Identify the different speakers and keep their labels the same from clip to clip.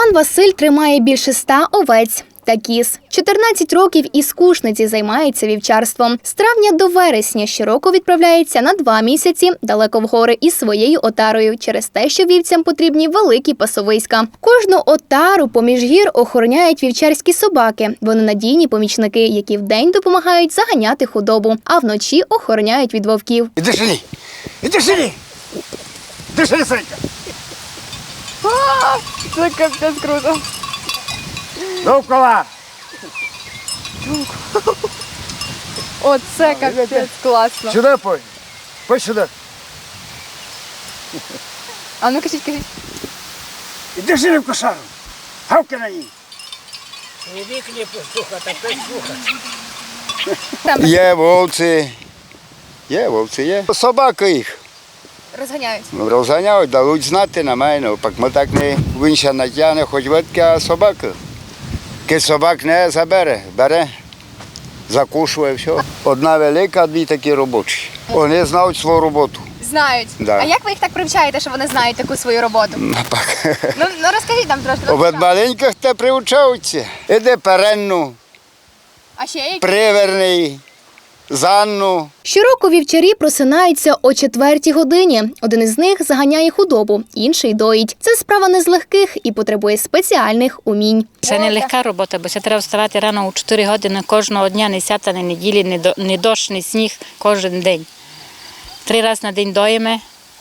Speaker 1: Пан Василь тримає більше 100 овець та кіз. 14 років із Кушниці займається вівчарством. З травня до вересня щороку відправляється на 2 місяці далеко в гори із своєю отарою через те, що вівцям потрібні великі пасовиська. Кожну отару поміж гір охороняють вівчарські собаки. Вони надійні помічники, які вдень допомагають заганяти худобу, а вночі охороняють від вовків.
Speaker 2: Іди сюди! Іди сюди! Іди сюди, Санька!
Speaker 3: Це капець круто.
Speaker 2: Довкола!
Speaker 3: Оце капець класно.
Speaker 2: Сюди пой! Пой сюди!
Speaker 3: А ну кажіть.
Speaker 2: Іди сюди в кошару! Гавки на ній! Є вовці, є. Собаки їх
Speaker 3: Розганяють.
Speaker 2: розганяють, дають знати на мене. Пак ми так не винша натягне, хоч ветки, а собаки. Ки собак не забере, бере, закушує, все. Одна велика, дві такі робочі. Вони знають свою роботу.
Speaker 3: Знають.
Speaker 2: Да.
Speaker 3: А як ви їх так привчаєте, що вони знають таку свою роботу? Ну розкажіть нам трошки.
Speaker 2: Від маленьких те привчаються. Іде перенну,
Speaker 3: А ще які?
Speaker 2: приверний, занну.
Speaker 1: Щороку вівчарі просинаються о 4 годині. Один із них заганяє худобу, інший доїть. Це справа не з легких і потребує спеціальних умінь.
Speaker 4: Це не легка робота, бо це треба вставати рано у 4 години кожного дня, не свята, не неділі, не дощ, не сніг, кожен день. 3 рази на день доїмо,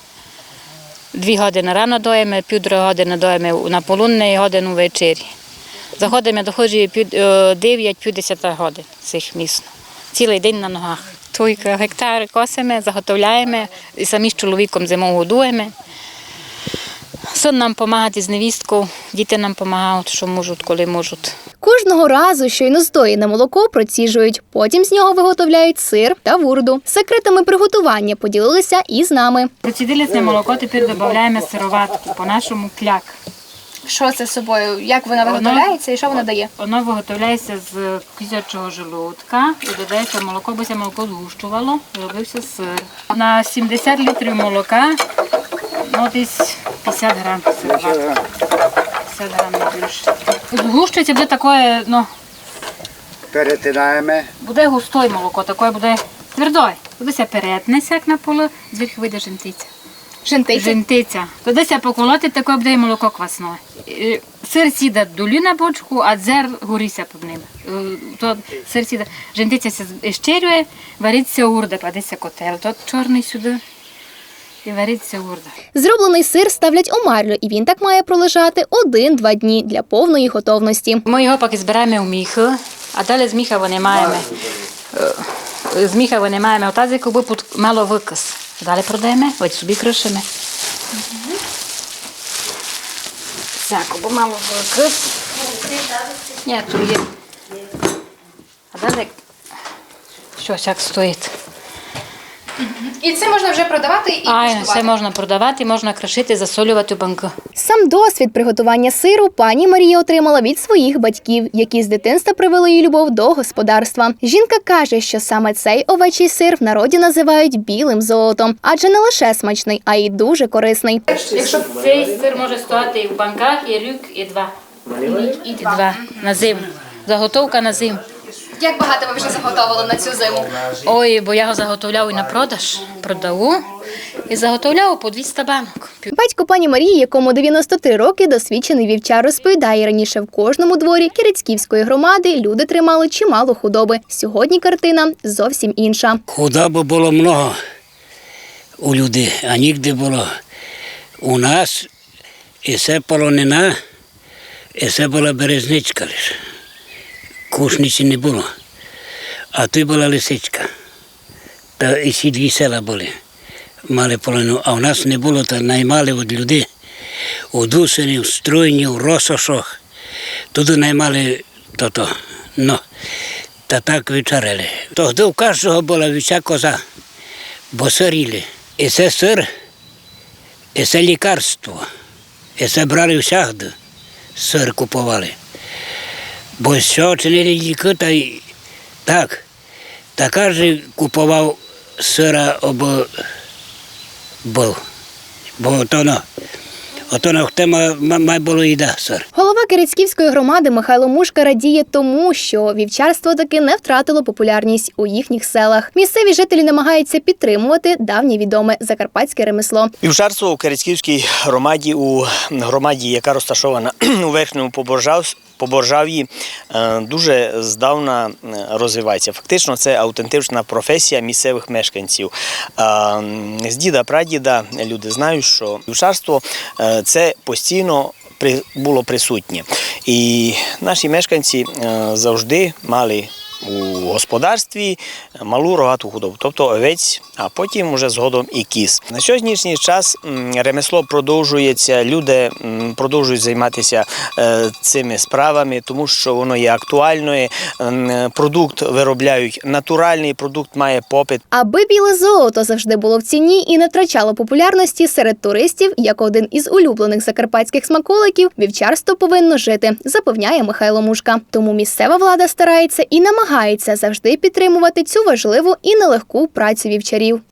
Speaker 4: 2 години рано доїмо, 1,5 години доїмо на полудне і годину ввечері. Заходимо, доходжу 9-10 годин цих місно. Цілий день на ногах. Тільки гектари косимо, заготовляємо, і самі з чоловіком зимою годуємо. Син нам допомагає з невісткою, діти нам допомагають, що можуть, коли можуть.
Speaker 1: Кожного разу щойно здоєне молоко проціжують. Потім з нього виготовляють сир та вурду. Секретами приготування поділилися і з нами.
Speaker 4: Процідили це молоко, тепер додаємо сироватку, по-нашому кляк.
Speaker 3: Що це з собою? Як вона виготовляється і що вона дає?
Speaker 4: Воно виготовляється з козячого желудка і додається молоко, бо це молоко згущувало, робився сир. На 70 літрів молока, десь 50 грам сироватки. 50 грам не більше. Згущується, буде таке,
Speaker 2: Перетинаємо.
Speaker 4: буде густое молоко, таке буде твердое. Туди ся перетнеться, як на поле, звідки вийде жентиця. Жентиця. Туди ся поколоти, таке буде і молоко квасне. Сир сіда долі на бочку, а дзер горіться під ним. То сир сіда, жентиця се щерює, вариться урда, кладеться котел. Тот чорний сюди і вариться урда.
Speaker 1: Зроблений сир ставлять у марлю, і він так має пролежати 1-2 дні для повної готовності.
Speaker 4: Ми його поки збираємо в міхи, а далі з міха винімаємо. З міха винімаємо в тазик, аби мало викис. Далі продаємо, ось собі кришимо. Так, аби мало викис. Ні, тут є. А далі щось як стоїть.
Speaker 3: І це можна вже продавати і
Speaker 4: Це можна продавати, можна кришити, засолювати у банки.
Speaker 1: Сам досвід приготування сиру пані Марія отримала від своїх батьків, які з дитинства привели її любов до господарства. Жінка каже, що саме цей овечий сир в народі називають білим золотом, адже не лише смачний, а й дуже корисний.
Speaker 4: Якщо цей сир може стояти і в банках, і рік, і 2. І 2 на зиму. Заготовка на зиму.
Speaker 3: Як багато ви вже заготовили на цю зиму?
Speaker 4: Ой, бо я його заготовляю і на продаж, продаю і заготовляю по 200 банок.
Speaker 1: Батько пані Марії, якому 93 роки, досвідчений вівчар, розповідає, раніше в кожному дворі Кіrecьківської громади люди тримали чимало худоби. Сьогодні картина зовсім інша.
Speaker 5: Худоби було много у людей, а нігде було. У нас і це полонина, і це була березничка лише. Кушниці не було, а тут була лисичка. Та і ці 2 села були, мали полонину, а у нас не було, то наймали від людей. У Дусині, в Струйні, в Росошах. Туди наймали то-то. Та так вечеряли. Тоді у кожного була вся коза, бо сиріли. І це сир, і це лікарство. І це брали всягди, сир купували. Бо що чинили ліки, та й так. Та кожен купував сира або був. Бо ото хто має було їда сир.
Speaker 1: Голова Кирицьківської громади Михайло Мушка радіє тому, що вівчарство таки не втратило популярність у їхніх селах. Місцеві жителі намагаються підтримувати давнє відоме закарпатське ремесло.
Speaker 6: Вівчарство у Кирицьківській громаді, у громаді, яка розташована у Верхньому Поборжав'ї, дуже здавна розвивається. Фактично це автентична професія місцевих мешканців. З діда-прадіда люди знають, що вівчарство – це постійно було присутнє. І наші мешканці завжди мали у господарстві малу рогату худобу, тобто овець, а потім вже згодом і кіз. На сьогоднішній час ремесло продовжується, люди продовжують займатися цими справами, тому що воно є актуальною. Продукт виробляють натуральний, продукт має попит.
Speaker 1: Аби біле золото завжди було в ціні і не втрачало популярності серед туристів, як один із улюблених закарпатських смаколиків, вівчарство повинно жити, запевняє Михайло Мушка. Тому місцева влада старається і намагається завжди підтримувати цю важливу і нелегку працю вівчарів.